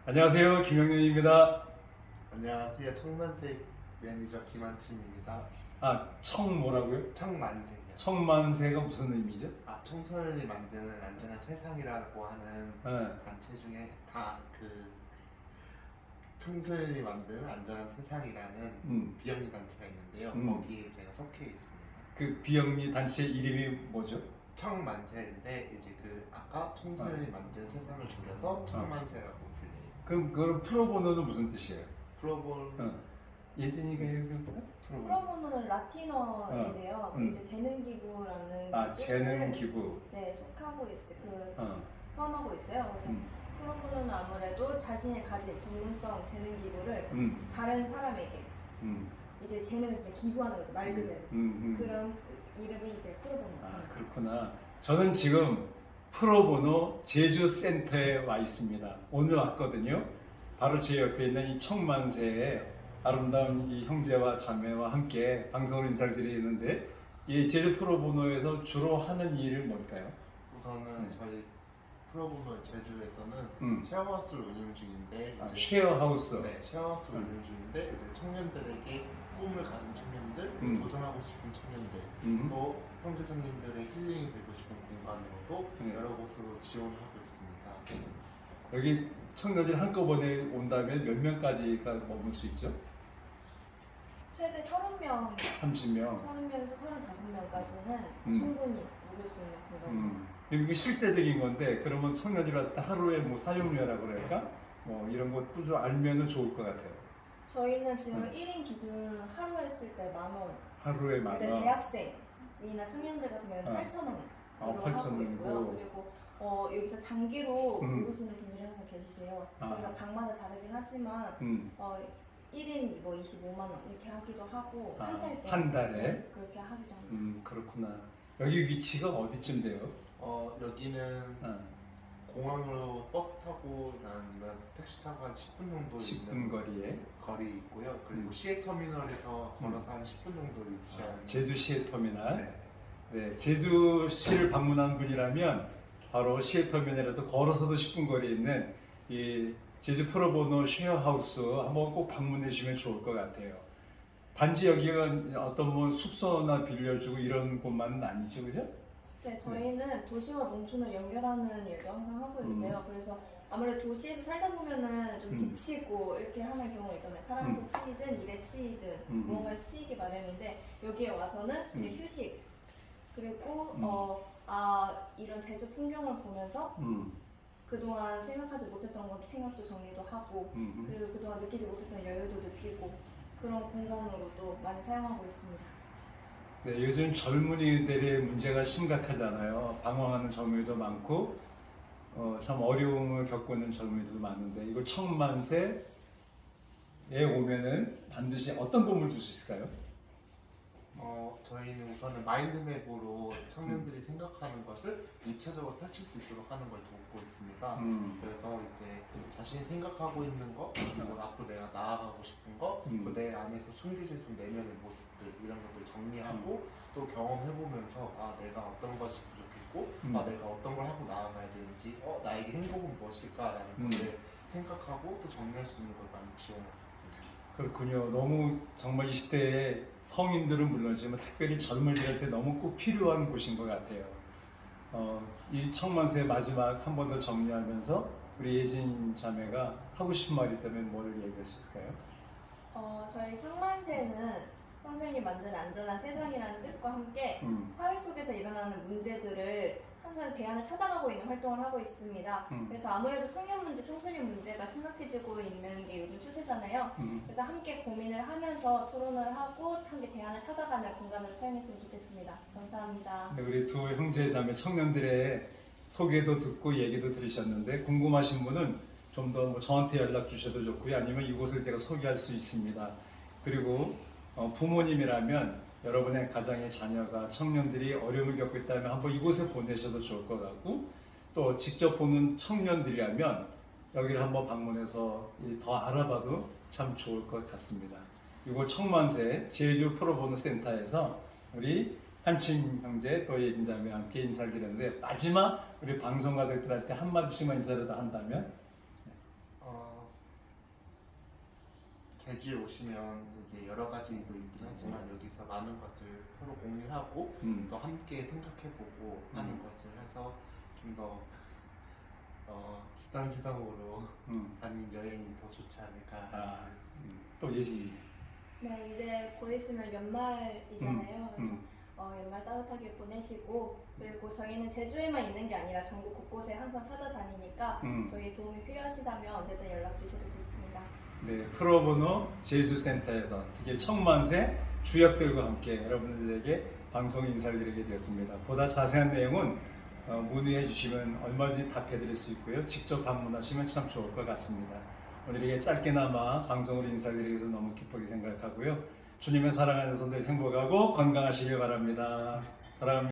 안녕하세요, 김영윤입니다. 안녕하세요. 청만세 매니저 김한침입니다. 청 뭐라고요? 청만세요. 청만세가 무슨 의미죠? 청소년이 만드는 안전한 세상이라고 하는 네. 단체 중에 청소년이 만드는 안전한 세상이라는 비영리 단체가 있는데요. 거기에 제가 속해 있습니다. 그 비영리 단체 이름이 뭐죠? 청만세인데 이제 아까 청소년이 만든 세상을 줄여서 청만세라고 불려요. 그럼 그걸 프로보노는 무슨 뜻이에요? 프로볼 예진이가 얘기해볼까? 프로보노는 라틴어인데요. 이제 재능기부라는 재능기부. 네, 속하고 포함하고 있어요. 그래서 프로보노는 아무래도 자신이 가진 전문성 재능기부를 다른 사람에게 이제 재능을 진짜 기부하는 거죠, 말 그대로. 그런 이름이 이제 프로보노. 그렇구나. 저는 지금 프로보노 제주센터에 와 있습니다. 오늘 왔거든요. 바로 제 옆에 있는 이 청만세의 아름다운 이 형제와 자매와 함께 방송을 인사를 드리는데, 이 제주 프로보노에서 주로 하는 일이 뭘까요? 우선은 저희 프로보노 제주에서는 쉐어하우스를 운영 중인데 쉐어하우스. 네, 쉐어하우스를 운영 중인데 이제 청년들에게 꿈을 가진 청년들, 도전하고 싶은 청년들, 또 선교사님들의 힐링이 되고 싶은 공간으로도 여러 곳으로 지원하고 있습니다. 여기 청년들이 한꺼번에 온다면 몇 명까지가 머물 수 있죠? 최대 30명, 30명. 30명에서 35명까지는 충분히 묵을 수 있는 공간입니다. 이게 실제적인 건데, 그러면 청년들이 왔다 하루에 뭐 사용료라고 그럴까? 뭐 이런 것도 좀 알면은 좋을 것 같아요. 저희는 지금 1인 기준 하루 했을 때 10,000원. 하루에 10,000원. 근데 대학생이나 청년들 같은 경우는 8,000원으로 8,000 하고 있고요. 원이고. 그리고 여기서 장기로 묵으시는 분들이 항상 계시세요. 그러니까 방마다 다르긴 하지만 1인 뭐 25만 원 이렇게 하기도 하고 한 달 동안 한 달에? 네, 그렇게 하기도 합니다. 그렇구나. 여기 위치가 어디쯤 돼요? 여기는 공항으로 버스 타고 아니면 택시 타고 한 10분 정도 10분 있는 거리에 거리 있고요. 그리고 시외터미널에서 걸어서 한 10분 정도 위치한 제주시의 터미널. 네. 네, 제주시를 방문한 분이라면 바로 시외터미널에서 걸어서도 10분 거리에 있는 이 제주 프로보노 쉐어하우스 한번 꼭 방문해 주시면 좋을 것 같아요. 단지 여기가 어떤 뭐 숙소나 빌려주고 이런 곳만은 아니죠, 그죠? 네, 저희는 도시와 농촌을 연결하는 일도 항상 하고 있어요. 그래서 아무래도 도시에서 살다 보면은 좀 지치고 이렇게 하는 경우가 있잖아요. 사람한테 치이든 일에 치이든 무언가에 치이기 마련인데 여기에 와서는 그냥 휴식 그리고 이런 제주 풍경을 보면서 그동안 생각하지 못했던 것 생각도 정리도 하고 그리고 그동안 느끼지 못했던 여유도 느끼고 그런 공간으로도 많이 사용하고 있습니다. 네, 요즘 젊은이들의 문제가 심각하잖아요. 방황하는 젊은이도 많고 참 어려움을 겪고 있는 젊은이들도 많은데, 이거 청만세에 오면은 반드시 어떤 도움을 줄 수 있을까요? 저희는 우선은 마인드맵으로 청년들이 생각하는 것을 입체적으로 펼칠 수 있도록 하는 걸 돕고 있습니다. 그래서 이제 자신이 생각하고 있는 것, 그리고 앞으로 내가 나아가고 싶은 것, 또 내 안에서 숨겨져 있는 내면의 모습들 이런 것들을 정리하고 또 경험해보면서 내가 어떤 것이 부족했고 내가 어떤 걸 하고 나아가야 되는지 나에게 행복은 무엇일까라는 것을 생각하고 또 정리할 수 있는 걸 많이 지원하고 있습니다. 그렇군요. 너무 정말 이 시대에 성인들은 물론이지만 특별히 젊은이들한테 너무 꼭 필요한 곳인 것 같아요. 이 청만세 마지막 한 번 더 정리하면서 우리 예진 자매가 하고 싶은 말이 있다면 뭘 얘기할 수 있을까요? 저희 청만세는 청소년이 만든 안전한 세상이라는 뜻과 함께 사회 속에서 일어나는 문제들을 항상 대안을 찾아가고 있는 활동을 하고 있습니다. 그래서 아무래도 청년 문제, 청소년 문제가 심각해지고 있는 게 요즘 추세잖아요. 그래서 함께 고민을 하면서 토론을 하고 함께 대안을 찾아가는 공간으로 사용했으면 좋겠습니다. 감사합니다. 네, 우리 두 형제 자매 청년들의 소개도 듣고 얘기도 들으셨는데, 궁금하신 분은 좀 더 뭐 저한테 연락 주셔도 좋고요. 아니면 이곳을 제가 소개할 수 있습니다. 그리고 부모님이라면 여러분의 가정의 자녀가 청년들이 어려움을 겪고 있다면 한번 이곳에 보내셔도 좋을 것 같고, 또 직접 보는 청년들이라면 여기를 한번 방문해서 더 알아봐도 참 좋을 것 같습니다. 이곳 청만세 제주 프로보노 센터에서 우리 한침 형제 또 예진 자매와 함께 인사를 드렸는데, 마지막 우리 방송 가족들한테 한마디씩만 인사를 더 한다면? 제주에 오시면 이제 여러 가지도 있긴 하지만 여기서 많은 것을 서로 공유하고 또 함께 생각해보고 하는 것을 해서 좀 더 지상지상으로 다니는 여행이 더 좋지 않을까. 또 예지. 네, 이제 곧 있으면 연말이잖아요. 그래서 연말 따뜻하게 보내시고, 그리고 저희는 제주에만 있는 게 아니라 전국 곳곳에 항상 찾아다니니까 저희 도움이 필요하시다면 언제든 연락 주셔도 좋습니다. 네, 프로보노 제주센터에서 특히 청만세 주역들과 함께 여러분들에게 방송 인사를 드리게 되었습니다. 보다 자세한 내용은 문의해 주시면 얼마든지 답해 드릴 수 있고요. 직접 방문하시면 참 좋을 것 같습니다. 오늘 이렇게 짧게나마 방송으로 인사를 드리기 위해서 너무 기쁘게 생각하고요. 주님의 사랑 안에서 늘 행복하고 건강하시길 바랍니다. 사랑합니다.